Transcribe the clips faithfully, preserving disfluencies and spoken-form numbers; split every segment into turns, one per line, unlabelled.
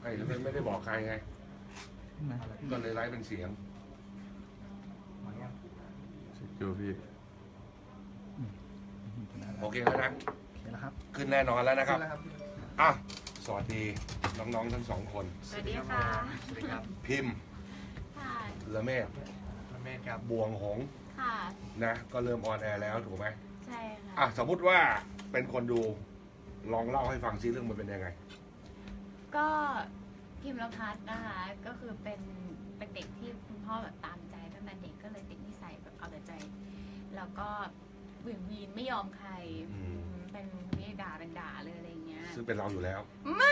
ไอ้ไม่ไม่ได้บอกใครไงก็เลยไลฟ์เป็นเสียงดูพี่โอเคแล้วนะขึ้นแน่นอนแล้วนะครับอ่ะสวัสดีน้องๆทั้งสองคน
สวัสดีค่ะ
สวัสดีครับ
พิมพ์
ค่ะ
ละเมศ
ละเมศครับ
บวงหง
ค่ะ
นะก็เริ่มออนแอร์แล้วถูกไหม
ใช่ค่ะ
อ่ะสมมุติว่าเป็นคนดูลองเล่าให้ฟังซิเรื่องมันเป็นยังไง
ก็พิมพ์ละพัฒน์นะคะก็คือเป็นเป็นเด็กที่คุณพ่อแบบตามใจตั้งแต่เด็กก็เลยติดนิสัยแบบเอาแต่ใจแล้วก็หวิ่งวีนไม่ยอมใครเป็นนี่ด่าเป็นด่าเลยอะไรเงี้ย
ซึ่งเป็นเราอยู่แล้ว
ไม่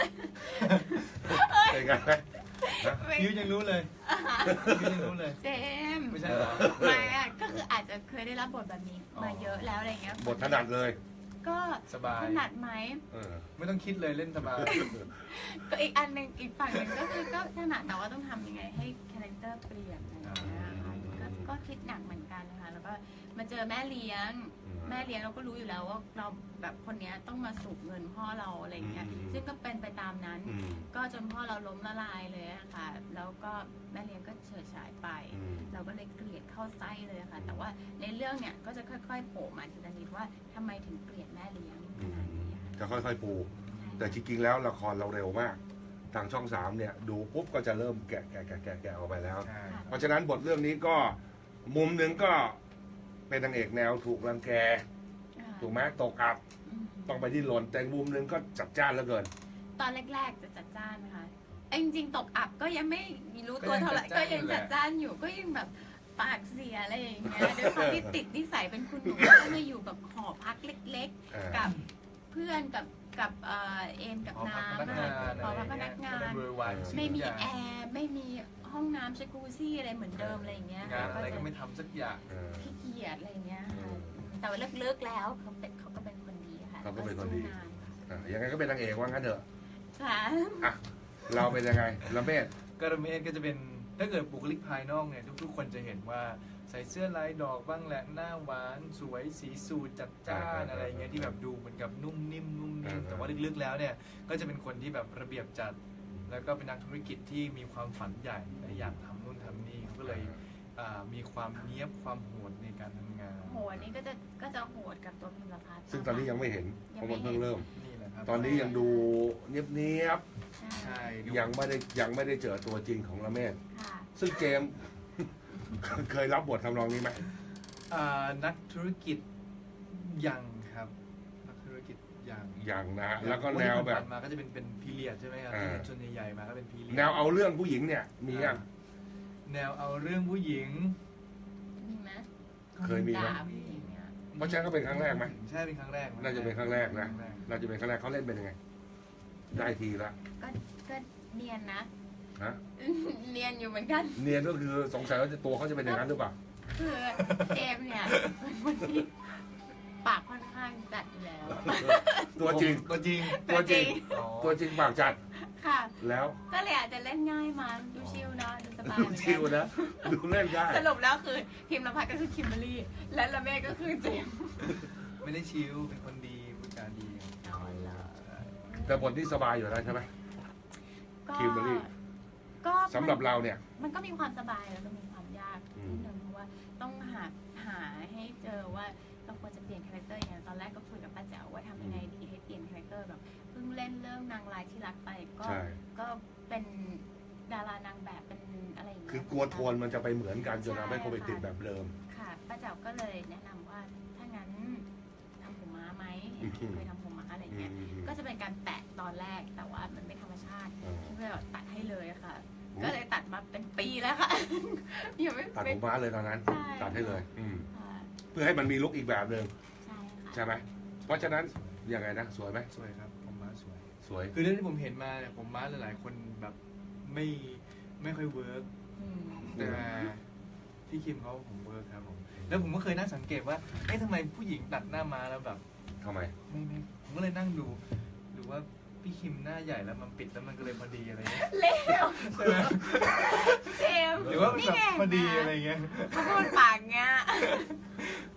เป็นไง
ยูยังรู้เลยยูยังรู้เลย
เจม
ไม่ใช่หรอ
ไม่อะก็คืออาจจะเคยได้รับบทแบบนี้มาเยอะแล้วอะไรเงี้ย
บทถนัดเลย
ก็
สบาย
ถนัดไหม
ไม่ต้องคิดเลยเล่นสบาย
ก็อีกอันหนึ่งอีกฝั่งหนึ่งก็คือก็ถนัดแต่ว่าต้องทำยังไงให้คาแรคเตอร์เปลี่ยนอะไรอย่างเงี้ยก็ก็คิดหนักเหมือนกันนะคะแล้วก็มาเจอแม่เลี้ยงแม่เลี้ยงเราก็รู้อยู่แล้วว่าเราแบบคนนี้ต้องมาสูบเงินพ่อเราอะไรเงี้ยซึ่งก็เป็นไปตามนั้นก็จนพ่อเราล้มละลายเลยค่ะแล้วก็แม่เลี้ยงก็เฉิดฉายไปเราก็เลยเกลียดเข้าไส้เลยค่ะแต่ว่าในเรื่องเนี่ยก็จะค่อยๆโผล่มาทีละนิดว่าทำไมถึงเกลียดแม่เลี้ยง
จะค่อยๆปูแต่จริงๆแล้วละครเราเร็วมากทางช่องสามเนี่ยดูปุ๊บก็จะเริ่มแกะแกะแกะแกะแกะออกไปแล้วเพราะฉะนั้นบทเรื่องนี้ก็มุมหนึ่งก็เป็นนางเอกแนวถูกรังแกถูกไหมตกอับต้องไปที่หล่นแต่มุมหนึ่งก็จัดจ้านเหลือเกิน
ตอนแรกๆจะจัดจ้านนะคะจริงๆตกอับก็ยังไม่รู้ตัวเท่าไหร่ก็ยังจัดจ้านอยู่ก็ยังแบบปากเสียอะไรอย่างเงี้ยด้วยความที่ติดนิสัยเป็นคุณหนูก็มาอยู่แบบหอพักเล็กๆกับเพื่อนกับกับเอ็มกับน้ำหอพักพนักงานไม่มีแอร์ไม่มีห้องน้ำชักกูซี่อะไรเหมือนเดิมอะไรอย่างเงี้ย
งานอะไรก็ไม่ทำสักอย่าง
ขี้เกียจอะไรอย่างเงี้ยแต่ว่าเลิกๆแล้วเขาเป็นเขาก็เป็นคนดีค่ะ
เขาก็เป็นคนดียังไงก็เป็นนางเอกว่างั้นเถอะ
ค่ะ
เราเป็นยังไงละเมศ
ก็ละเมศก็จะเป็นถ้าเกิดบุคลิกภายนอกเนี่ยทุกๆคนจะเห็นว่าใส่เสื้อลายดอกบ้างแหละหน้าหวานสวยสีสูทจัดจ้านอะไรเงี้ยที่แบบดูเหมือนกับนุ่มนิ่มนุ่มนิ่มแต่ว่าลึกๆแล้วเนี่ยก็จะเป็นคนที่แบบระเบียบจัดแล้วก็เป็นนักธุรกิจที่มีความฝันใหญ่อยากทำนู่นทำนี่เขาก็เลยมีความเนี้ยบความโหดในการทำงาน
โหดนี่ก็จะก็จะโหดกับตัวพิมพ์ละพัฒน์
ซึ่งตอนนี้ยังไม่เห็นเพราะมันเพิ่งเริ่ม
นี่แหละครับ
ตอนนี้ยังดูเนียบๆใช่ยังไม่ได้ยังไม่ได้เจอตัวจริงของละเมศซึ่งเจมเคยรับบททำนองนี้ไหม
นักธุรกิจยังครับนักธุรกิจยัง
ยังนะแล้วก็แนวแบบ
มาก็จะเป็นเป็นพีเรียดใช่ไหมครับส่วนใหญ่ๆมาก็เป็นพีเรียด
แนวเอาเรื่องผู้หญิงเนี่ยมียัง
แนวเอาเรื่องผู้หญิง
มีไหม
เคยมีไหมเพราะฉะนั้นก็เป็นครั้งแรกไหม
ใช่เป็นครั้งแรก
น่าจะเป็นครั้งแรกนะน่าจะเป็นครั้งแรกเขาเล่นเป็นยังไงได้ทีละ
ก็ก็เนียนนะ
ฮะ
เนียนอยู่เหมือนกัน
เนียนก็คือสงสัยว่าตัวเขาจะเป็นอย่างนั้นหรือเปล่า
คือเจมเนี่ยเป็นคนที่ปากค่อนข้างจัดอยู่แล้ว
ตัวจริง
ตัวจริง
ตัวจริง
ตัวจริงปากจัด
ค่ะ
แล้ว
ก็เลยอาจจะเล่นง่ายมาดูชิลนะดูสบาย
ดูชิลนะดูเล่นง่าย
สรุปแล้วคือพิมพ์ละพัฒน์ก็คือคิมเบอรี่และละเมฆก็คือเจม
ไม่ได้ชิลเป็นคนดีพูดจาดี
แต่บทที่สบายอยู่แล้วใช่ไหมคิมเบอรี่ก็สำหรับเราเนี่ย
มันก็มีความสบายแล้วก็มีความยากนิดนึงเพราะว่าต้องหาหาให้เจอว่าเราควรจะเปลี่ยนคาแรคเตอร์อย่างตอนแรกก็คุยกับป้าแจ๋วว่าทำยังไงดีให้เปลี่ยนคาแรคเตอร์แบบเพิ่งเล่นเรื่องนางร้ายที่รักไปก็ก็เป็นดารานางแบบเป็นอะไรอย่างเงี้ย
คือกลัวโทนมันจะไปเหมือนกันจนทำให้คนไปติดแบบเดิม
ค่ะป้าแจ๋วก็เลยแนะนำว่าถ้างั้นทำผมม้าไหมเคยทำผมม้าอะไรเงี้ยก็จะเป็นการแปะตอนแรกแต่ว่ามันไม่ธรรมชาติที่เลยตัดให้เลยค่ะก็เลยตัดมาเป็นปีแล้วค่ะ
ยังไม่ตัดผมม้าเลยตอนนั้นตัดให้เลยเพื่อให้มันมีลุคอีกแบบหนึ่ง
ใช่
ใช่ไหมเพราะฉะนั้นยังไงนะสวยไหม
สวยครับผมม้าสวย
สวย
คือเรื่องที่ผมเห็นมาเนี่ยผมม้าหลายๆคนแบบไม่ไม่ค่อยเวิร์กแต่ที่คิมเขาผมเวิร์กครับผมแล้วผมก็เคยน่าสังเกตว่าเอ๊ะทำไมผู้หญิงตัดหน้าม้าแล้วแบบ
ทำไม
ไม่ไม่ผมก็เลยนั่งดูหรือว่าพี่คิมหน้าใหญ่แล้วมันปิดแล้วมันก็เลยพอดีอะไรเงี้ย
เลี้ยวเจม
หรือว่าแบบพอดีอะไรเงี้ย
พูดปากเงี้ย
ผ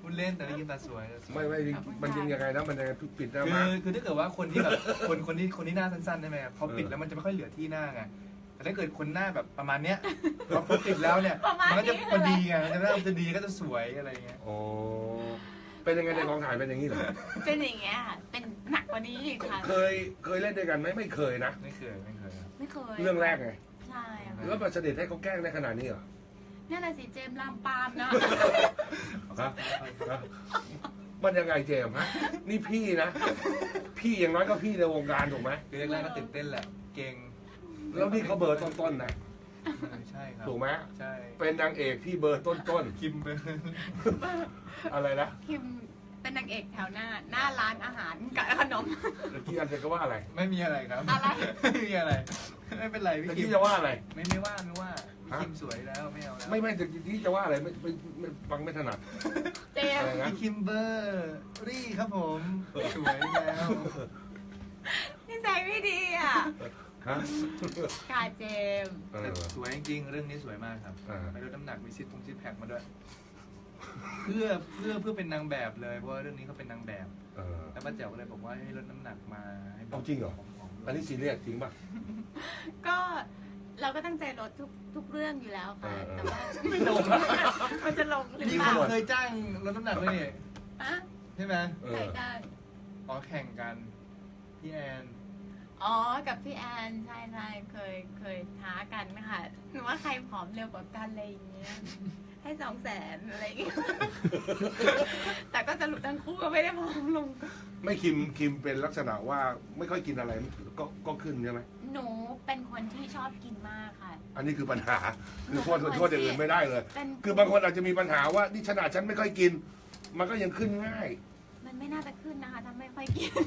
พูดเล่นแต่ได้ยินตาสวย
ไม่ไม่มันยังยังไงนะมันยังไงปิดหน้า
คื
มา
อคือถ้าเกิดว่าคนที่แบบคนคนที่คนที่หน้าสั้นๆใช่ไหมครับพอปิดแล้วมันจะไม่ค่อยเหลือที่หน้าไงแต่ถ้าเกิดคนหน้าแบบประมาณเนี้ยพอปิดแล้วเนี่ยมันก็จะพอดีไงมันจะหน้ามันจะดีก็จะสวยอะไรเงี้ย
โอ้เป็นยังไงในกองถ่ายเป็นอย่างนี้เหรอ
เป็นอย่างเงี้ยค่ะเป็นหนักกว่านี้อีกค่ะ
เคยเคยเล่นด้วยกันไหมไม่เคยนะ
ไม่เคยไม่เคยครับ
ไม่เคย
เรื่องแรกไง
ใช่ค่ะ
แล้วมาเสด็จให้เขาแกล้งในขนาดนี้เหรอ
นั่นแหละสิเจมส์ลามปามนะ
ฮะฮะมันยังไงเจมส์ฮะนี่พี่นะ พี่อย่างน้อยก็พี่ในวงการถูกไหม
คือแรกๆก็ตื่นเต้นแหละ เก่ง
แล้วนี่เขาเบอร์ต้นๆนะ
ใช่ครับ
ถูกไหม
ใช่
เป็นนางเอกที่เบอร์ต้น
คิมเบอร์
ๆอะไรนะ
คิมเป็นนางเอกแถวหน้า หน้าร้านอาหารกับขนม
เมื่อกี้อันจะก็ว่าอะไร
ไม่มีอะไรครับ
อะไร
ไม่มีอะไร ไม่เป็นไรพี่
เมื่อ
คิ
กี้
ม
จะว่าอะไร
ไม่ไม่ว่าไม่ว่า
ฮะ
คิมสวยแล้วไม่เอาแล้ว
ไม่ไม่แต่ที่จะว่าอะไรไม่ไม่ไม่ฟังไม่ถนัด
เจม
อะไร
ส์
นะ
พี่คิมเบอร์รี่ครับผมสวยแล้ว
นิสัยไม่ดีอ่ะ
ฮะ
กาเจมส์
เอ
แต่
อ
สวยจริงๆเรื่องนี้สวยมากครับ
อ่า
ไปลดน้ำหนักมีซิทตรงซิทแพคมาด้วย เพื่อเพื่อเพื่อเป็นนางแบบเลยเพราะว่าเรื่องนี้เขาเป็นนางแบบ
เออ
แล้วป้าแจ๋วก็เลยบอกว่าให้ลดน้ำหนักมาให้แบบ
เอาจริงเหรอ
ผอมๆ
อันนี้ซีเรียสจริงป่ะ
ก็เราก็ตั้งใจลดทุกทุกเรื่องอยู่แล้วค่ะ
เออเออ
แต่ว่าไม่ลง มันจะลงหรือ
นี่
เปล่า
เขาเคยจ้างลดน้ำหนักเลยนี่
อะ
ใช่ไหม
เอ
ใคร
อ
ได้
อ๋อแข่งกันพี่แอน
อ๋อ กับพี่แอนใช่ใช่เคยเคยท้ากันนะคะหนูว่าใครผอมเร็วกว่ากันอะไรอย่างเงี้ย ให้สองแสนอะไรอย่างเงี้ย แต่ก็สรุปทั้งคู่ก็ไม่ได้ผอมลง
ไม่คิมคิมเป็นลักษณะว่าไม่ค่อยกินอะไรก็ก็ขึ้นใช่ไหม
หนูเป็นคนที่ชอบกินมากค่ะ
อันนี้คือปัญหา คือโทษโทษอย่างอื่นไม่ได้เลย
เป็น
คือบางคนอาจจะมีปัญหาว่านี่ขนาดฉันไม่ค่อยกิน มันก็ยังขึ้นง่าย
มันไม่น่าจะขึ้นนะคะถ้าไม่ค่อยกิน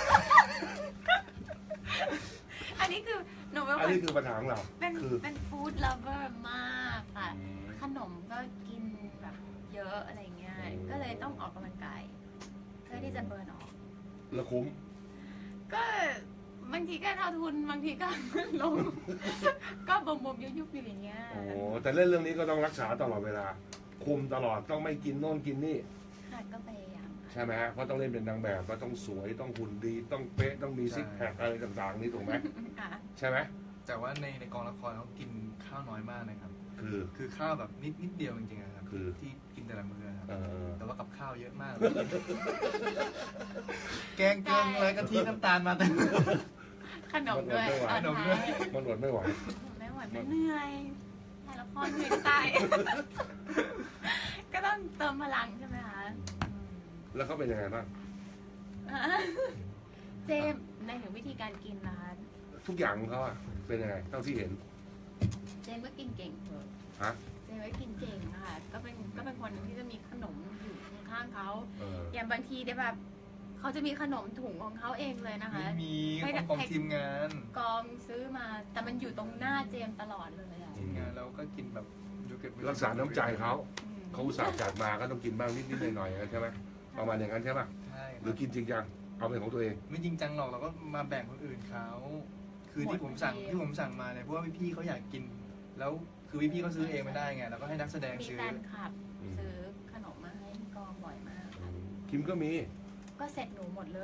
อันนี้คือหนูเป็น
อัน
คน
นี้คือปัญหาของเรา
เป็น
คือ
เป็นฟู้ด l ล v เวอร์มากค่ะ ขนมก็กินแบบเยอะอะไรเงี้ย ก็เลยต้องออกกำลังกาย เพื่อที่จะเบิร์นออก
แล้วคุ้ม
ก็บางทีก็เท่าทุน บางทีก็ ลง ก็บมๆยุบๆอยู่อย่างเงี้ย
โอ้แต่เล่นเรื่องนี้ก็ต้องรักษาตลอดเวลา คุมตลอดต้องไม่กินโน่นกินนี่
ค่ะก็พยายามค่ะ
ใช่ไหมฮะเพราะต้องเล่นเป็นนางแบบก็ต้องสวยต้องหุ่นดี ต้องเป๊ะต้องมีซิกแพคอะไรต่างๆ นี่ถูกไหม
ค่ะ
ใช่ไหม
แต่ว่าในในกองละครเขากินข้าวน้อยมากนะครับ
คือ
คือข้าวแบบนิดนิดเดียวจริงๆนะครับ
คือ
ที่กินแต่ละมื้อครับ
เออ
แต่ว่ากับข้าวเยอะมากเลย แกงเกลืออะไรกะทิน้ำตาลมาแต่
ขนมด้วย
ขนมด้วย
ตอนท้าย
มันอดไม่ไหว
ไม่ไหวไม่เหนื่อยถ่ายละครเหนื่อยตาย ก็ต้องเติมพลังใช่ไหมคะ
แล้วเขาเป็นยังไงบ้าง
อืมเจมส์ในถึงวิธีการกินนะคะ
ทุกอย่างของเขาอะเป็นยังไงเท่าที่เห็น
เจมส์ก็กินเก่งเถอะ
ฮะ
เจมส์ก็กินเก่งนะคะก็เป็นก็เป็นคนหนึ่งที่จะมีขนมอยู่ข้างๆเขา
เออ
อย่างบางทีเนี่ยแบบเขาจะมีขนมถุงของเขาเองเลยนะคะ
ไม่มี
ไม่ได้
ของทีมงาน
กองซื้อมาแต่มันอยู่ตรงหน้าเจมส์ตลอดเลยอะ
ทีมงานเราก็กินแบบอยู่เก็บไว้
รักษาน้ำใจเขา
อืม
เขาอุตส่าห์จัดมาก็ต้องกินบ้างนิดๆหน่อยๆอย่างนั้นใช่ไหมประมาณอย่างนั้นใช่ไหม
ใช่ค
ห
รั
รือบ กินจริงจังเอาเป็นของตัวเอง
ไม่จริงจังหรอกเราก็มาแบ่งคนอื่นเขาคือที่ผมสั่งที่ผมสั่งมาเนี่ยเพราะว่าพี่ๆเขาอยากกิน แล้วคือพี่ๆเขาซื้อเองไม่ได้ไงเราก็ให้นักแสดง
มี
ซื้อ
แฟนคลับซื้อขนมมาให้ที่กองบ่อยมากค่ะ
คิมก็มี
ก็เสร็จหนูหมดเลย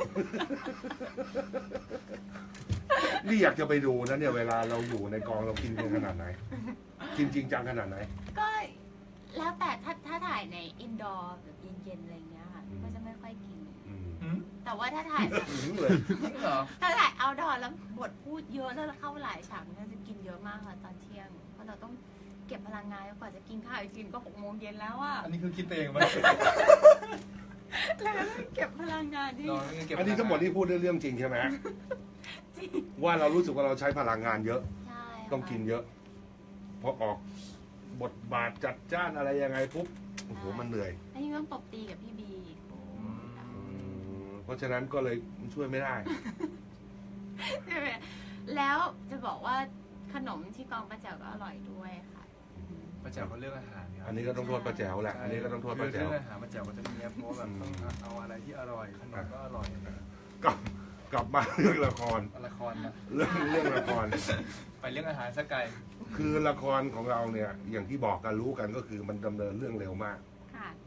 นี่อยากจะไปดูนะเนี่ยเวลาเราอยู่ในกองเรากินกันขนาดไหน กินจริงจังขนาดไหน
ก็แล้วแต่ถ้าถ้าถ่ายในอินดอร์แบบเย็นๆอะไรเงี้ยค่ะ
อืม
ก็จะไม่ค่อยกิน
อืม
หืม
แต่ว่าถ้าถ่ายแบบ
ถึงเลย
จริงเหรอ
ถ้าถ่ายเอาดอร์แล้วบทพูดเยอะแล้วเข้าหลายฉากเนี่ยจะกินเยอะมากค่ะตอนเที่ยง เพราะเราต้องเก็บพลังงานแล้วกว่าจะกินข้าวอีกทีก็หกโมงเย็นแล้วอ่ะ
อันนี้คือคิดไปเองไหม
แล้วก็ต้องเก็บพลังงานที่
น้องเก็บ
อันนี้ทั้งหมดที่พูดเรื่องจริงใช่ไหม
จริง
ว่าเรารู้สึกว่าเราใช้พลังงานเยอะ
ใช่ค่ะ
ต้องกินเยอะพอออกบทบาทจัดจ้านอะไรยังไงปุ๊บโอ้โหมันเหนื่อย
แล้วยังต้องตบตีกับพี่บีอีก
อืมเพราะฉะนั้นก็เลยช่วยไม่ได้
ใช่ไหมแล้วจะบอกว่าขนมที่กองประแจวก็อร่อยด้วยค่ะ
ป้าแจ๋วเขาเลือกอาหารครับ
อันนี้ก็ต้องโทษป้าแจ๋วแหละ อันนี้ก็ต้องโทษป้าแจ๋ว
เรื่องอาหารป้าแจ๋วก็จะมีเพราะว่าแบบต้องเอาอะไรที่อร่อยขนมก็อร่อย
กลับกลับมาเรื่องละคร
ละครนะ
เรื่องเรื่องละคร
ไปเรื่องอาหารสักไกล
คือละครของเราเนี่ย อย่างที่บอกกันรู้กันก็คือมันดำเนินเรื่องเร็วมาก
ค่ะ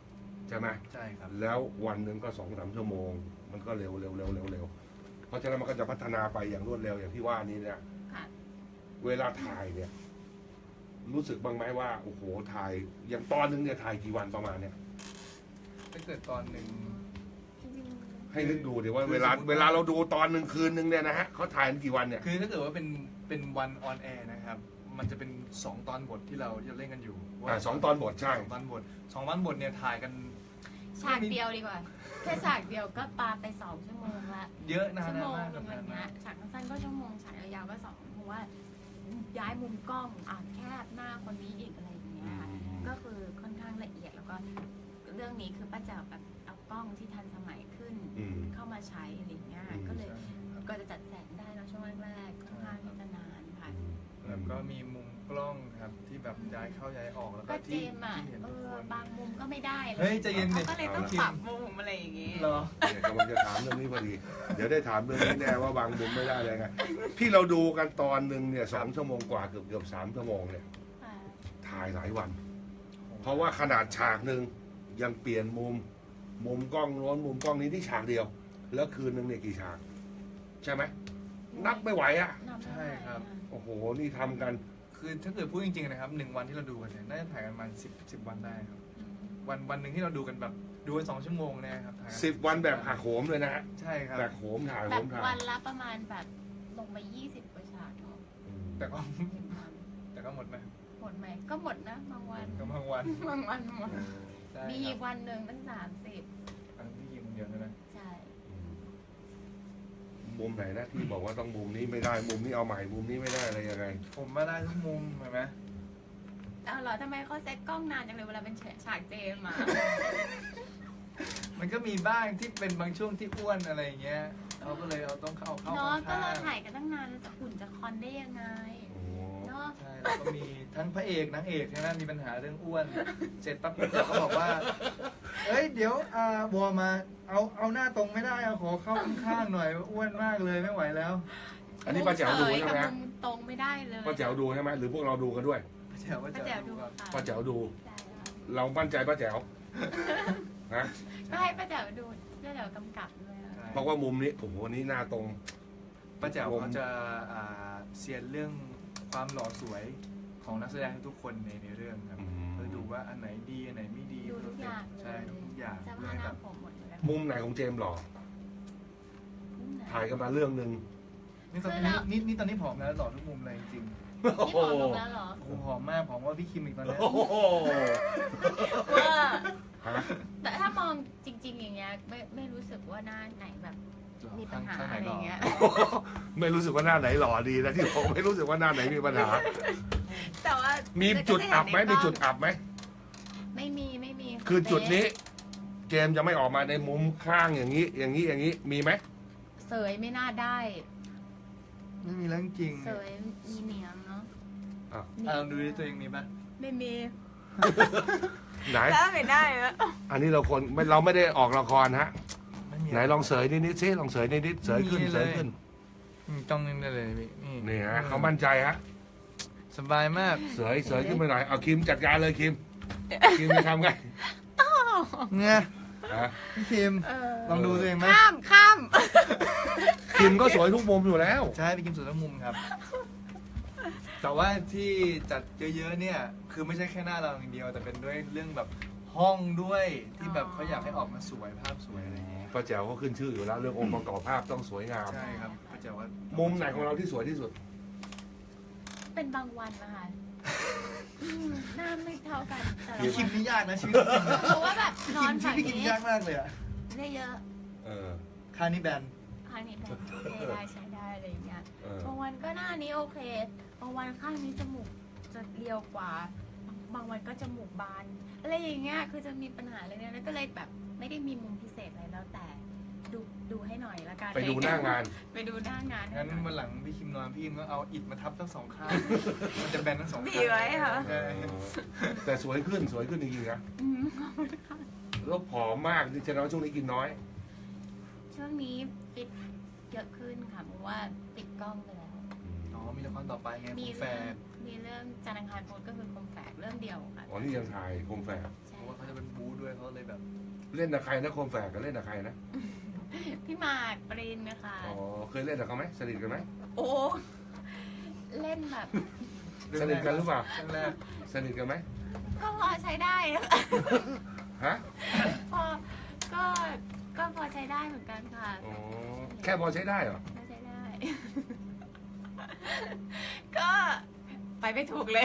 ใช่ไหม
ใช่ครับ
แล้ววันหนึ่งก็สองสามชั่วโมง มันก็เร็วเร็วเร็วเร็วเร็วเพราะฉะนั้นมันก็จะพัฒนาไปอย่างรวดเร็วอย่างที่ว่านี้เนี่ย
ค่ะ
เวลาถ่ายเนี่ย รู้สึกบ้างไหมว่าโอ้โหถ่ายอย่างตอนหนึงเนี่ยถ่ายกี่วันประมาณเนี่ย
ถ้าเกิดตอนหนึ่ง
จริง
ให้นึกดูดิว่า
คือ
เวลา
สมมุติว่า
เวลาเราดูตอนหนึ่งคืนหนึ่งเนี่ยนะฮะเขาถ่ายกันกี่วันเนี่ย
คือถ้าเกิดว่าเป็นเป็นวันออนแอร์นะครับ มันจะเป็นสองตอนบทที่เราจะเล่นกันอยู่
อ่าสองตอนบทใช่
สองตอนบทสองตอนบทเนี่ยถ่ายกัน
ๆฉากเดียวดีกว่า แค่ฉากเดียวก็ปาไปสองชั่วโมงละ
เยอะนะ
ชั่วโมง
มาก
หนึ่งอะไร
นาน
เงี้
มาย ก
ฉากสั้นๆก็ชั่วโมงฉากยาวๆก็สองเพราะว่าย้ายมุมกล้องอ่ะแคบหน้าคนนี้อีกอะไรอย่างเงี้ยค่ะก็คือค่อนข้างละเอียดแล้วก็เรื่องนี้คือป้าแจ๋วแบบเอากล้องที่ทันสมัยขึ้น
อืม
เข้ามาใช้อะไรอย่างเงี้ย
อืม
ก็เลยก็จะจัดแสงได้เนอะช่วงแรกๆค่อนข้างที่จะนานค่ะ
แล้วก็มีมุมกล้องครับที่แบบย้ายเข้าย้ายออกแล้วก็
ก็เจ
ที่
มส์อ่ะ
ที่เห็น
เอ
ทุก
อ
คน
บางมุมก็ไม่ได้ล
เฮ้ยใจเย็นดิ
ขาก็เลยต้องปรับมุมอะไรอย่างงี้
เหรอ
เนี่ยกำลังจะถามเรื่องนี้พอดี เดี๋ยวได้ถามเรื่องนี้แน่ว่าบางมุมไม่ได้เลยไงที่เราดูกันตอนหนึ่งเนี่ยสองชั่วโมงกว่าเกือบเกือบสามชั่วโมงเนี่ย
ค่ะ
ถ่ายหลายวัน เพราะว่าขนาดฉากหนึ่งยังเปลี่ยนมุม มุมกล้องโน้นมุมกล้องนี้ที่ฉากเดียว แล้วคืนหนึ่งเนี่ยกี่ฉาก ใช่ไหมนับไม่ไหวอ่ะ
นับไม่ไหว
ใช่ครับ
โอ้โหนี่ทำกัน
คือถ้าเกิดพูดจริงๆนะครับหนึ่งวันที่เราดูกันเนี่ยน่าจะถ่ายกันประมาณสิบสิบวันได้ครับ
อืม
วันวันหนึ่งที่เราดูกันแบบดูกันสองชั่วโมงเนะครับถ่ายกั
สิบวันแบบหักโหมเลยนะฮะ
ใช่ครับ
แบบโหมถ่าย
แบ
โห
บ
มถ่าย
วันละประมาณแบบลงไปยี่สิบกว่าฉากเนอะ
อืม
แต่ก็
หนึ่งวัน
แต่ก็หมดนะ
หมดไหมก็หมดนะบางวัน
ก็บางวัน
บางวันหมด
ใช่
มี
ค
อี
รับ
กวันหนึ่งตั้งสามสิบ
อันที่ยิงเดียวนะ
ใช่
อืมมุมไหนนะที่บอกว่าต้องมุมนี้ไม่ได้มุมนี้เอาใหม่มุมนี้ไม่ได้อะไรยังไง
ผมมาได้ทุกมุมเห็นไหม
เอาเหรอทำไมเขาเซ็ตกล้องนานจังเลยเวลาเป็นฉากเจมส์มา
มันก็มีบ้างที่เป็นบางช่วงที่อ้วนอะไรอย่างเงี้ยเขาก็เลยเอาต้องเข้าเข้า
เนาะก็
ข้าง
เรา
ๆ
ถ่ายกันตั้งนานแล้วจะหุ่นจะคอนได้ยังไง
โอ้
เนาะ
ใช่แล้วก็มีทั้งพระเอกนางเอกใช่ไหมมีปัญหาเรื่องอ้วน เสร็จปั๊บเขาก็บอกว่า เอ้ยเดี๋ยวอ่าบัวมาเอาเอาหน้าตรงไม่ได้เอาขอเข้าข้างๆหน่อยอ้วนมากเลยไม่ไหวแล้ว
อันนี้ป้าแจ๋วดูใช่ไหม
มุมตรงไม่ได้เลย
ป้าแจ๋วดูใช่ไหมหรือพวกเราดูกันด้วย
ป้าแจ๋วป้า
ป้า
แจ๋
แจ๋
ว
ว
ดู
ดู
ครับ
ค่ะ
ป้าแจ๋วดู
ใช่ค่ะ
เรามั่นใจป้าแจ๋วนะ
ก็ให้ป้าแจ๋วดูป้าแจ๋วกำกับด้วยอะ
ใช่
เพราะว่ามุมนี้โอ้โหอันนี้หน้าตรง
ป้าแจ๋วเขาจะอ่าเซียนเรื่องความหล่อสวยของนักแสดงทุกคนในในเรื่องครับ
อืม
เขาจะดูว่าอันไหนดีอันไหนไม่ดี
ดูทุกอย่าง
ใช่ดูทุกอย่าง
เสื้อ
เพื่อ
ผ้า
ให้
ห
แบ
น้า
บ
ผมหมดเลย
มุมไหนของเจมส์หล่อ
มุมไหน
ถ่ายกันมาเรื่องหนึ่ง
นี่ตอน
คือเรา
นี้นี่นี่ตอนนี้ผอมแล้วหล่อทุกมุมเลยจริง
นี่ผอมลงแล้วเหรอ
ๆโอ้โหผอมมากผอมกว่าพี่คิมอีกตอนนี้
โอ้โห
ว่า
ฮะ
แต่ถ้ามองจริง ๆ อย่างเงี้ยไม่ไม่รู้สึกว่าหน้าไหนแบบมีปัญหา
ข้างไหน
อะไร
หล่อ
เงี้ย
ไม่รู้สึกว่าหน้าไหนหล่อดีนะที่ผมไม่รู้สึกว่าหน้าไหนมีปัญหา
แต่ว่า
มี
มี
จุดอับไหมมีจุดอับไหม
ไม่มีไม่มี
คือจุดนี้ เจมส์จะไม่ออกมาในมุมข้างอย่างนี้ อย่างนี้อย่างนี้มีไหม
เสยไม่น่าได้
ไม่มีเรื่องจริง
เสยมีเหนียมเนาะ
อ่ะ
อ่ะลองดูดิตัวเองมีปะ
ไม่มี
ไหน
แล้วไม่ได้แล้ว
อันนี้เราคนไม่เราไม่ได้ออกละครฮะ
ไม่มี
ไหนลองเสยนิดนิดๆสิลองเสยนิดนิดๆเสยขึ้นเสยขึ้น
อืมจ้องนึงได้เลยพี่นี่
นี่ฮะเขามั่นใจฮะ
สบายมาก
เสยเสยขึ้นไปหน่อยเอาคิมจัดการเลยคิมคิมจะทำไง
เนี่ย
ฮะ
พี่คิม
เออ
ลองดูตัวเองไหม
ข้ามข้าม
คิมก็สวยทุกมุมอยู่แล้ว
ใช่พี่คิมสุดทั้งมุมครับ แต่ว่าที่จัดเยอะๆเนี่ย คือไม่ใช่แค่หน้าเราอย่างเดียว แต่เป็นด้วยเรื่องแบบห้องด้วยที่แบบเขาอยากให้ออกมาสวยภาพสวยอะไรอย่างเงี้ย
ป้าแจ๋วเขาขึ้นชื่ออยู่แล้วเรื่ององค์ประกอบภาพต้องสวยงาม
ใช่ครับก็จะว่า
มุมไหนของเราที่สวยที่สุด
เป็นบางวันนะคะอืมหน้าไม่เท่ากันแต่ละ
พี่คิ
วั
ม
น
นี่ยากนะชีวิต
เพราะว่าแบบนอน
ชี
ฝั่
วิต
ง
พี่คิม
นี้
ยากมากเลยอะ
ได้เยอะ
เออ
คานี่แบน
ข้างนี้แบบโอเคได้ใช้ได้อะไรอย่างเงี้ย
เออ
บางวันก็หน้านี้โอเคบางวันข้างนี้จมูกจะเรียวกว่า บางวันก็จมูกบานอะไรอย่างเงี้ยคือจะมีปัญหาอะไรเนี่ยแล้วก็เลยแบบไม่ได้มีมุมพิเศษอะไรแล้วแต่ดูดูให้หน่อยละกัน
ไปดูหน้างาน
ไปดูหน้างาน
งั้นวันหลังพี่คิมนอนพี่คิมก็เอาอิฐมาทับทั้งสองข้าง มันจะแบนทั้งสองข้าง
ดีไว้ค่ะ
ใช่
แต่สวยขึ้นสวยขึ้นจริงๆนะ
อืม
แล้วผอมมากที่แสดงว่าช่วงนี้กินน้อย
ช่วงนี้ฟิตเยอะขึ้นค่ะเพราะว่าปิดกล้องไปแล้ว
อ๋อมีละครต่อไปไง
มี
คุณแฟ
เรื่อง
น
มีเรื่องจันทร์อังคารพุธก็คือคมแฝกเรื่องเดียวค่ะ
อ๋อนี่ยังถ่ายโคมแฝก
เพ
ใช่
ราะว่าเขาจะเป็นบู๊ด้วยเขาเลยแบบ
เล่นกับใครนะโคมแฝกก็เล่นกับใครนะ
พี่หมากปรินนะคะ
อ๋อเคยเล่นกับเขาไหมสนิทกันไหม
โอ้เล่นแบบ
สนิทกันหรือเปล่า
ครั้งแรก
สนิทกันไหม
ก็พอใช้ได้อะ
ฮะ
พอก็ก็พอใช้ได้เหมือนกันค่ะ
อ๋อแค่พอใช้ได้เหรอ
พอใช้ได้ ก็ไปไม่ถูกเลย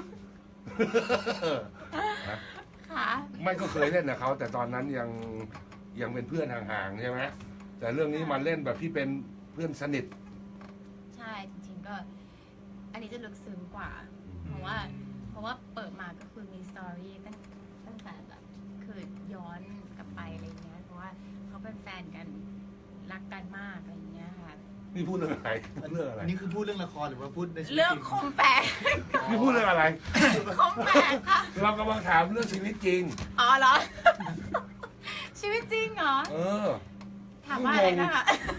ฮะ
ค่ะ
ไม่ก็เคยเล่นกับเขาแต่ตอนนั้นยังยังเป็นเพื่อนห่างๆใช่ไหมแต่เรื่องนี้มันเล่นแบบที่เป็นเพื่อนสนิท
ใช่จริงๆก็ อันนี้จะลึกซึ้งกว่า เพราะว่า เพราะว่าเปิดมาก็คือมีสตอรี่ตั้งตั้งแต่แบบคือย้อนกลับไปอะไรเงี้ยเพราะว่าเขาเป็นแฟนกันรักกันมากอะไรเงี้ยค่ะ
นี่พูดเรื่องอะไรพูดเรื่องอะไร
อันนี้คือพูดเรื่องละครหรือว่าพูดในชีวิต
เรื่อง
จริง
คมแฝก
นี่พูดเรื่องอะไร
คมแฝกค่ะ
เรากำลังถามเรื่องชีวิตจริง
อ๋อเหรอ ชีวิตจริงเหรอ
เออ
ถามว่าอะไรนะคะ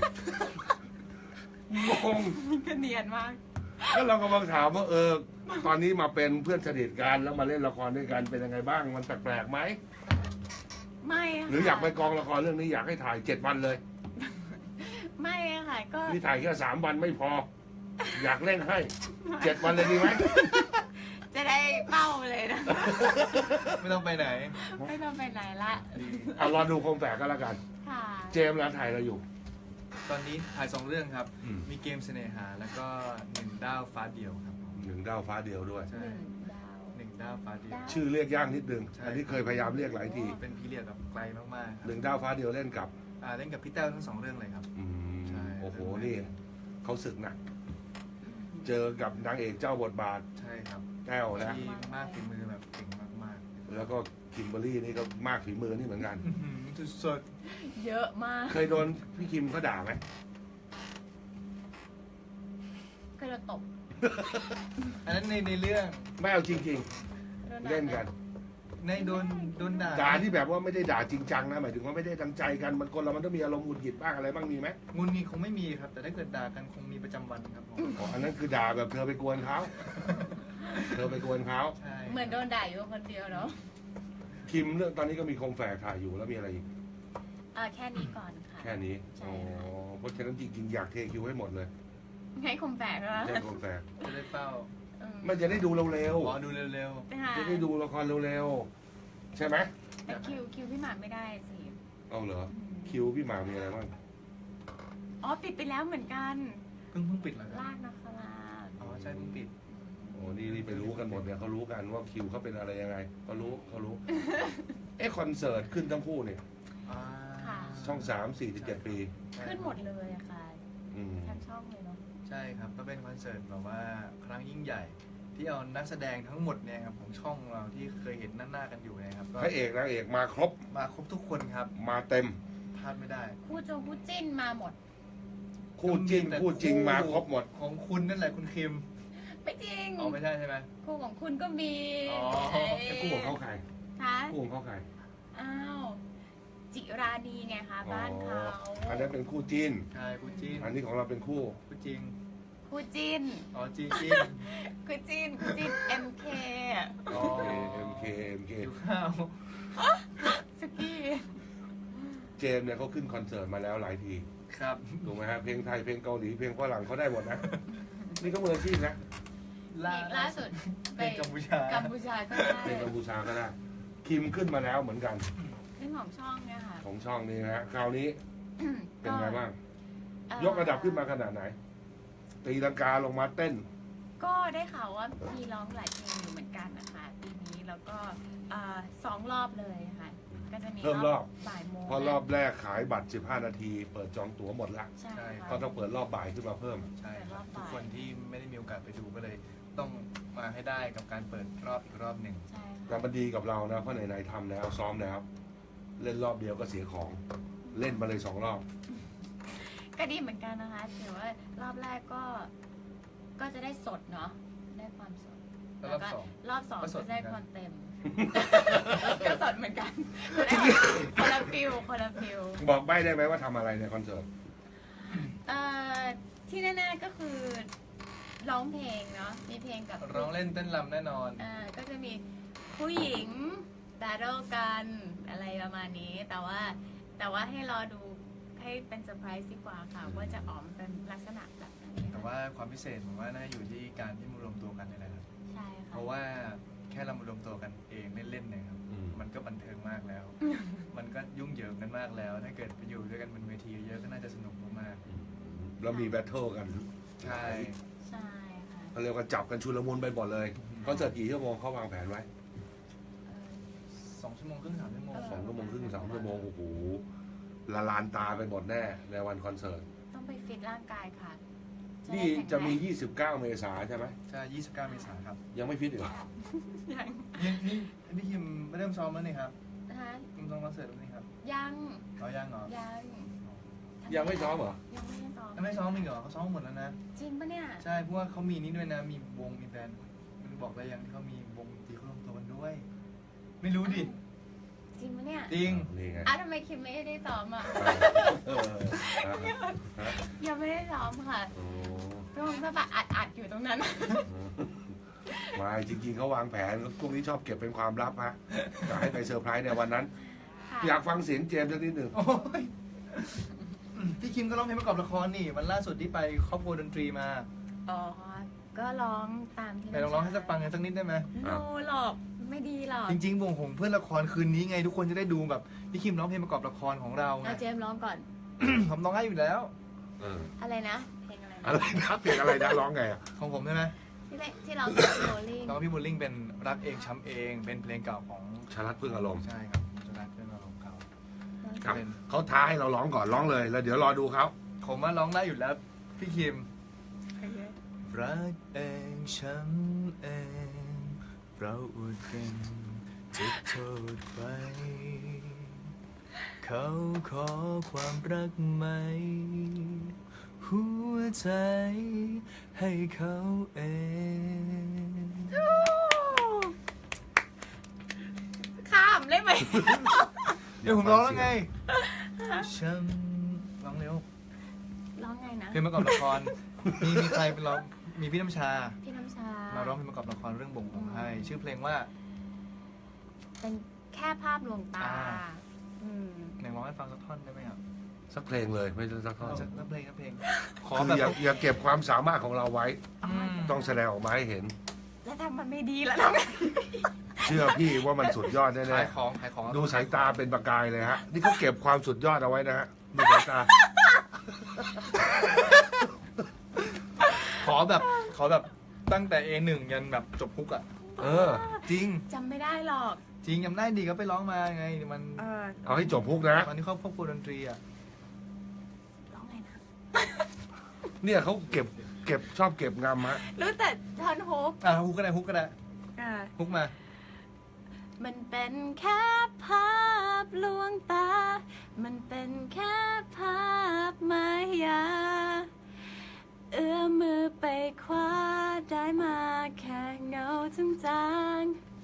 งง
ก็เนียนมาก
ก็เรากำลังถามว่าเออ ตอนนี้มาเป็นเพื่อนสนิทกันแล้วมาเล่นละครด้วยกันเป็นยังไงบ้าง มันแปลกๆไหม
ไม่ะ
หรืออยากไปกองละครเรื่องนี้อยากให้ถ่ายเจ็ดวันเลย
ไม่อะค่ะ ก็
นี่ถ่ายแค่สามวันไม่พอ อยากเล่นให้เจ็ดวันเลยดีไหม
จะได้เป้าเลยนะ
ไม่ต้องไปไหน
ไม่ต้องไปไหนละ
เอารอดูโคมแฝกก็แล้วกัน
ค่ะ
เจมส์ร้านถ่ายเราอยู่
ตอนนี้ถ่ายสองเรื่องครับ
อืม
มีเกมเสน่หาแล้วก็หนึ่งดาวฟ้าเดียวครับผม
หนึ่งดาวฟ้าเดียวด้วย
ห
ใช่
นึ่งดาว
หนึ่งดาวฟ้าเดียว
ดาว
ชื่อเรียกยากนิดนึง
ใช่
อันนี้เคยพยายามเรียกหลายที
เป็นพีเรียดแบบไกลมากๆค
ห
รับ
นึ่งดาวฟ้าเดียวเล่นกับ
อ่าเล่นกับพี่แต้วทั้งสองเรื่องเลยครับ
อืม
ใช่
โอ้โหนี่เขาศึกหนักเจอกับนางเอกเจ้าบทบาท
ใช่ครับ
แต้วนะ
ที่มากฝีมือแบบเก่งมาก
แล้วก็คิมเบอรรี่นี่ก็มากฝีมือนี่เหมือนกัน
ๆอื้อหือสุด
เยอะมาก
เคยโดนพี่คิมเขาด่าไหม
เคยโดนตบ
ๆอันนั้นในในเรื่อง
ไม่เอาจริง
โด
ๆ เล่นกัน
ในโดนโดนด่า
ด่าที่แบบว่าไม่ได้ด่าจริงจังนะหมายถึงว่าไม่ได้ตั้งใจกันมันคนเรามันต้องมีอารมณ์หงุดหงิดบ้างอะไรบ้างมีไหม
งุนงีคงไม่มีครับ แต่ถ้าเกิดด่ากันคงมีประจำวันครับผม
อ๋ออันนั้นคือด่าแบบเธอไปกวนเขาเธอไปกวนเขา
ใช่
เหมือนโดนด่าอยู่คนเดียวเนาะ
คิมเรื่องตอนนี้ก็มีโคมแฝกถ่ายอยู่แล้วมีอะไรอีก
อ่าแค่นี้ก่อนค่ะ
แค่นี้
ใช่
อ๋อ
ค่ะ
เพราะฉะนั้นจริงๆอยากเทคิวให้หมดเลย
ให้คมแฝกแล้ว
แค่โคมแฝก
จะได้เฝ้า
ไม่จะได้ดูเร็ว
ขอดูเร็ว
ค่ะ
ๆจะได้ดูละครเร็วๆใช่ไหม
แต่คิวคิวพี่หมากไม่ได้สิ
เอาเหรอคิวพี่หมากมีอะไรบ้าง
อ๋อปิดไปแล้วเหมือนกัน
ๆเพิ่งเพิ่งปิดเหรอครับ
ลากนาคราช
อ๋อใช่เพิ่งปิด
โอ้นี่นี่ไปรู้กันหมดเนี่ยเขารู้กันว่าคิวเขาเป็นอะไรยังไงเขารู้เขารู้ เอ๊ะคอนเสิร์ตขึ้นทั้งคู่เนี่ย
อ่า
ค่ะ
ช่องสามสี่สิบเจ็ดปี
ขึ้นหมดเลยอะค่ะ
อืม
ทั้งช่องเลยเนาะ
ใช่ครับก็เป็นคอนเสิร์ตแบบว่าครั้งยิ่งใหญ่ ที่เอานักแสดงทั้งหมดเนี่ยครับของช่องเราที่เคยเห็นหน้าๆกันอยู่เนะครับก็
พระเอกนางเอกมาครบ
มาครบทุกคนครับ
มาเต็ม
พลาดไม่ได้
คู่จงคู่จิ้นมาหมด
คู่จิ้น
แต่
คู่จริงมาครบหมด
ของคุณนั่นแหละคุณคิม
ไม่จริง
อ๋อไม่ใช่ใช่ไหม
คู่ของคุณก็มี
อ๋อ
เอ้ย
ไอ้คู่ของเขาใคร
คะ
คู่ของเขาใคร
อ้าว จิรานีไงคะบ้านเขา
อันนั้นเป็นคู่จิ้น
ใช่คู่จีน
อันนี้ของเราเป็นคู่
คู่จริง
คู่จิ้น
อ๋อจีนจีน
คู่จิ้นคู่จิ้น เอ็ม เค
อ๋อ
เอ็มเคเอ็มเค
หิวข้าว
สกี้
เจมส์เนี่ยเขาขึ้นคอนเสิร์ตมาแล้วหลายที
ครับ
ถูกไหมฮะเพลงไทยเพลงเกาหลีเพลงฝรั่งเขาได้หมดนะ นี่ก็มืออาชีพนะ
นี่ล่าสุดไป
เป็นกัมพูชา
กัมพูชาก็ได้
เพลงกัมพูชาก็ได้คิมขึ้นมาแล้วเหมือนกัน
เรื่องของช่องเนี่ยค่ะ
ของช่องนี้นะฮะคราวนี้เป็นไงบ้าง
เอ่อย
กระดับขึ้นมาขนาดไหน ตีลังกาลงมาเต้น
ก็ได้ข่าวว่ามีร้องหลายเพลงอยู่เหมือนกันนะคะปีนี้แล้วก็เอ่อสองรอบเลยค่ะ ก็จะมี
เพิ่มรอบ
บ่ายโมง
เพราะรอบแรกขายบัตร สิบห้า นาที เปิดจองตั๋วหมดละ
ใช่
ใช่
ค่ะ
ก็ต้องเปิดรอบบ่ายขึ้นมาเพิ่ม
ใช่ครับ
เปิดรอบบ่าย
ทุกคนที่ไม่ได้มีโอกาสไปดูก็เลย ต้องมาให้ได้กับการเปิดรอบอีกรอบหนึ่ง
ใช่
แต่
ค่ะ
มันดีกับเรานะ เพราะไหนๆทำแล้วซ้อมแล้ว เล่นรอบเดียวก็เสียของ เล่นมาเลยสองรอบ
ก็ดีเหมือนกันนะคะถือว่ารอบแรกก็ ก็จะได้สดเนาะได้ความสด
แล้วรอบสอง
รอบสอง
ก็สด
จะได้
เหมือนกัน
ความเต็ม ก็สดเหมือนกันจะได้คนละฟิลคนละฟิล
บอกใบ้ได้ไหมว่าทำอะไรในคอนเสิร์ต
เอ่อที่แน่ๆก็คือร้องเพลงเนาะมีเพลงกับ
ร้องเล่นเต้นรำแน่นอน
อ่าก็จะมีผู้หญิงแบทเทิลกันอะไรประมาณนี้ แต่ว่าแต่ว่าให้รอดูให้เป็นเซอร์ไพรส์ดีกว่าค่ะ ว่าจะออกมาเป็นลักษณะแบบไหน
แต่ว่าความพิเศษผมว่าน่าอยู่ที่การที่มารวมตัวกันนี่แหละครับ
ใช่
เพ
ค่ะ
ราะว่าแค่เรามารวมตัวกันเองเล่นๆเนี่ยครับ
อืม
มันก็บันเทิงมากแล้ว มันก็ยุ่งเหยิงกันมากแล้ว ถ้าเกิดไปอยู่ด้วยกันบนเวทีเยอะก็น่าจะสนุกมาก
แล้วมีแบทเทิลกัน
ๆใช่
ใช่ค่ะ
เขาเรียกว่าจับกันชุลมุนไปหมดเลยคอนเสิร์ตกี่ชั่วโมงเขาวางแผนไว้
เออ
สองชั่วโมงครึ่งสามชั่วโมง
สองชั่วโมงครึ่งสามชั่วโมงโอ้โหละลานตาไปหมดแน่ในวันคอนเสิร์ต
ต้องไปฟิตร่างกายค่ะ
นี่
ได้แข็ง
จะมี
แรง
ยี่สิบเก้า เมษายนใช่ไหม
ใช่ยี่สิบเก้าเมษายนครับ
ยังไม่ฟิตอีกเหรอ
ยัง
นี่นี่พี่คิมไม่เริ่มซ้อมแล้วนี่ครับ
นะคะ
คิมซ้อมคอนเสิร์ตแล้วนี่ครับ
ยัง
เขายังเหรอ
ยัง
ยังไม่ซ้อมเหรอ
ยังไม่ได้ซ้อม
ยังไม่ซ้อมอีกเหรอเขาซ้อมหมดแล้วนะ
จริงปะเนี่ย
ใช่เพราะว่าเขามีนี่ด้วยนะมีวงมีแบรนด์มันบอกได้ยังที่เขามีวงดนตรีเขารวมตัวกันด้วย ไม่รู้ดิ
จริงปะเนี่ย
จริง
นี่ไง
อ่ะทำไมคิมไม่ได้ซ้อมอ่ะ
เออฮะฮะ
ยังไม่ได้ซ้อมค่ะ
โอ้
ก็คงจะแบบอัดอัดๆอยู่ตรงนั้น
มาจริงๆเขาวางแผนพวกนี้ชอบเก็บเป็นความลับฮะจะให้ไปเซอร์ไพรส์ในวันนั้น
ค่ะ
อยากฟังเสียงเจมส์สักนิดหนึ่ง
โอ้ยพี่คิมก็ร้องเพลงประกอบละครนี่วันล่าสุดที่ไปครอบครัวดนตรีมา
อ๋อ ก็ร้องตามที่
ไหนลองร้องให้สักฟังกันสักนิดได้ไหม
โนหรอก ไม่ดีหรอก
จริงๆวงหงเพื่อนละครคืนนี้ไงทุกคนจะได้ดูแบบพี่คิมร้องเพลงประกอบละครของเราไง
เอาเจมส์ร้องก่อน
ผมร้องได้อยู่แล้ว
เออ
อะไรนะ เพลงอะไรนะ
อะไรนะเพลงอะไรนะร้องไงอ่ะ
ของผมใช่ไหม
ที่เล่นที่ร้องกับโรลลิ่ง
น้องพี่บุลลิงเป็นรักเองช้ำเองเป็นเพลงเก่าของ
ชาลัดพึ่งอารมณ์
ใช่ครับจะรักเพื่อนเราของเขา
ครับ
เป็น
เขาท้าให้เราร้องก่อนร้องเลย แล้วเดี๋ยวรอดูเขา
ผมว่าร้องได้อยู่แล้วพี่คิม รักเองช้ำเองเราอดกันจะโทษไปเขาขอความรักไหม หัวใจให้เขาเอง
ข้ามได้ไหม
เดี๋ยวผมร้องแล้วไงช้ำร้องเร็ว
ร้องไงนะ
เพลงประกอบละคร มีมีใครเป็นร้องมีพี่น้ำชา
พี่น้ำชา
มาร้องเพลงประกอบละครเรื่องบ่งของให้ ชื่อเพลงว่า
เป็นแค่ภาพลวงตา
อ่า
อืม
ไหนร้องให้ฟังสักท่อนได้ไหมครับ
สักเพลงเลยไม่ต้องสักท่อน
สักเพลงสักเพลงขอ
คือ
แบบ
อย่าอย่าเก็บความสามารถของเราไว้
อืม
ต้องแสดงออกมาให้เห็น
แล้วทำมันไม่ดีแล้วทำไง
เชื่อพี่ว่ามันสุดยอดแน่
ขายของขายของ
ๆดูสายตาเป็นประกายเลยฮะ นี่เขาเก็บความสุดยอดเอาไว้นะฮะดูสายตา
ขอแบบขอแบบตั้งแต่ เอ หนึ่ง ยันแบบจบฮุกอ่ะ
เออ
จริง
จำไม่ได้หรอก
จริงจำได้ดีก็ไปร้องมาไงมัน
เออ
เอาให้จบพุกนะ
ตอนที่เขาควบคุมดนตรีอ่ะ
ร้องไงนะ
เนี่ยเขาเก็บเก็บชอบเก็บงำฮะ
รู้แต่ทอนฮุก
อ่ะฮุกก็ได้ฮุกก็ได้
อ่า
ฮุกมา
มันเป็นแค่ภาพลวงตา มันเป็นแค่ภาพมายา เอื้อมมือไปคว้าได้มาแค่เงาจาง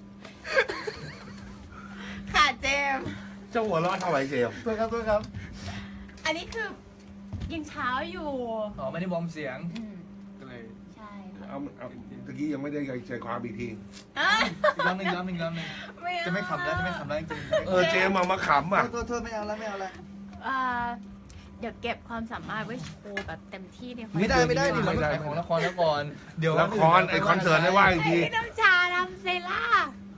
ๆค่ะเจมส์
เจ้าหัวเร้อนเท่าไหร่เจมส์
ตัวครับตัวครับ
อันนี้คือยังเช้าอยู่
อ๋อไม่ได้วอร์มเสียง
อืม
ก็เลย
ใช่ค่ะ
เอาเอาตะกี้ยังไม่ได้ใจความอีกที
อ่ะ
อีกรอบหนึงอีกรอบหนึงอีกรอบหนึง
ไม่เอา
จะไม่ขำแล้วจะไม่ขำแล้วจริงๆ
เออเจมส์มามาขำอ่ะ
โทษโทษไม่เอาแล้วไม่เอาแล้ว
อ่าเดี๋ยวเก็บความสามารถไว้โชว์แบบเต็มที่ในคอน
ไม่ได้ไม่ได้ดิเรา
ไม่
ไม่
ได้
ขายของละครแล้วก่อน เดี๋ยว
ละครไอคอนเสิร์ตได้ว่าอีกที
ให้น้ำชาทำเซล่า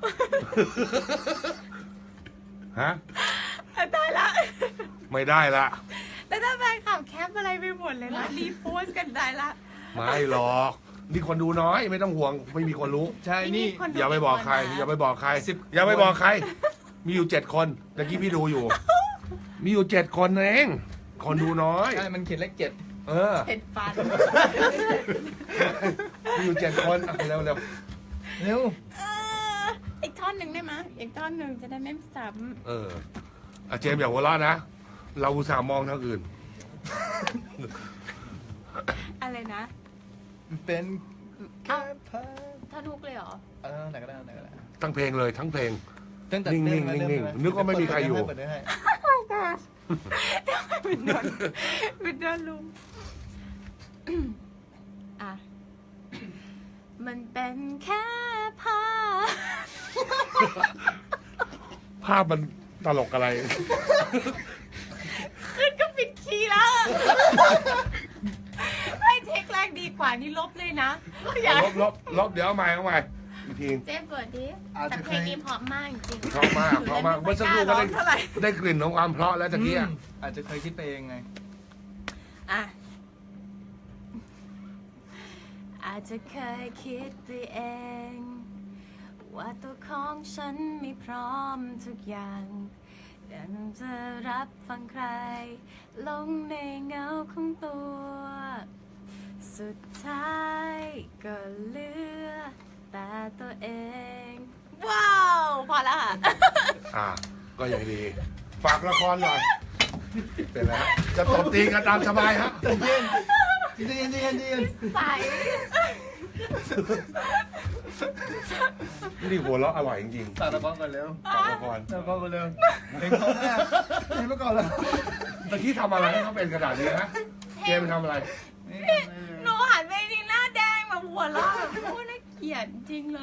ฮะ
ตายละ
ไม่ได้ละ
แล้วถ้าแฟนคลับแคปอะไรไปหมดเลยนะรีโพสต์กันได้ละ
ไม่หรอกนี่คนดูน้อยไม่ต้องห่วงไม่มีคนรู้
ใช่นี่
คนดู
อย่าไปบอกใคร
กี่นนะ
อย่าไปบอกใคร
สิบ
อย่าไปบอกใคร มีอยู่เจ็ดคนตะกี้พี่ดูอยู่ มีอยู่เจ็ดคนเองคนดูน้อย
ใช่มันเขียนเลขเจ็ด
เออ
เผ็ดฟัน
มีอยู่เจ็ดคนอ่ะเร็วเร็ว
เร็ว
เอออีกท่อนหนึ่งได้ไหมยอีกท่อนหนึ่งจะได้ไม่ซ้
เอออ่ะเจมส์อย่าหัวเราะนะ เราอุตส่าห์มองทางอื่น
ำอะไรนะ
เป็นแค่
อ้าว
ภาพ
ท่อนฮุกเลยเหรอ
เออไหนก็ได้ไหนก็ได้
ทั้งเพลงเลยทั้งเพลง
ตั้งแต่
นิ่งๆ
เริ่มมา
นิ่งๆ
เริ่มมา
นึกว่าไม่มีใครอยู่
เปิดได้ให้
เป็นโดนเป็นโดนลุมอ่ะมันเป็นแค่ภาพ
ภาพมันตลกอะไร
ขึ้นก็ปิดคีย์แล้วไม่เทคแรกดีกว่านี่ลบเลยนะอย่า
ลบลบลบเดี๋ยวเอาใหม่เอาใหม่อีกที
เจ๊เปิดดิ
อาจ
แต่
จะ
เพ
เค
ล
ย
งนี้เพราะมากจริงๆ
เพราะมากเพราะมากเมื่อสักครู่ก็ได้
เท่าไหร่
ได้กลิ่นของความเพราะแล้วตะกี้อะ
อาจจะเคยคิดไปเองไง
อ่ะอาจจะเคยคิดไปเอง ว่าตัวของฉันไม่พร้อมทุกอย่างแต่จะรับฟังใคร ลงในเงาของตัว สุดท้ายก็เหลือแต่ตัวเอง ว้าว พอแล้วค่ะ
อ่า ก็ยังดี ฝากละครหน่อยเป็นแล้วจะตบตีกันตามสบายครับ
ใจเย็นใจเย็นใจเย็นใจเย็น
ใส
นี่หัวเราะอร่อยจริง
ตาตะบ้องก่อนเร็ว
ๆฝากละคร
ตาตะบ้องก่อนเร็วเพลงเขาแม่เพลงเมื่อก่อนเลย
ตะกี้ทำอะไรให้เขาเป็นขนาดนี้ฮะเจมส์ทำอะไร
หนูหันไปทีหน้าแดงแบบหัวเราะแบบโคตรน่าเกลียดจริงเลย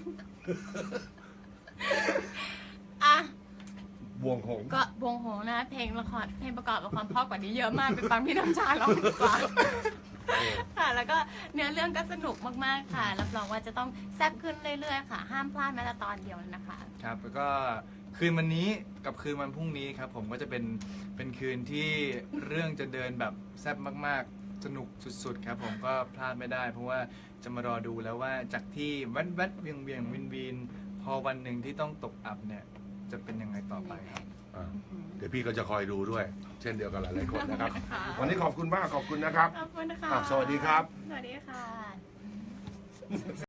อ่ะ
บวงหงส์
ก็วงโหงนะ เพลงละครเพลงประกอบละครเพราะกว่านี้เยอะมากไปฟังพี่น้ำชาร้องดีกว่าค่ะ แล้วก็เนื้อเรื่องก็สนุกมากๆค่ะรับรองว่าจะต้องแซ่บขึ้นเรื่อยๆค่ะ ห้ามพลาดแม้แต่ตอนเดียวเลยนะคะ
ครับแล้วก็คืนวันนี้กับคืนวันพรุ่งนี้ครับผมก็จะเป็นเป็นคืนที่เรื่องจะเดินแบบแซ่บมากๆ สนุกสุดๆครับผมก็พลาดไม่ได้ เพราะว่าจะมารอดูแล้วว่าจากที่แวดแวดเวียงเวียงวินวินพอวันหนึ่งที่ต้องตกอับเนี่ยจะเป็นยังไงต่อไปครับ
อ่าเดี๋ยวพี่ก็จะคอยดูด้วย เช่นเดียวกันหลายๆคนนะครับ
ค่ะ
วันนี้ขอบคุณมากขอบคุณนะครับ
ขอบคุณนะคะ
อ่ะสวัสดีครับ
สวัสดีค่ะ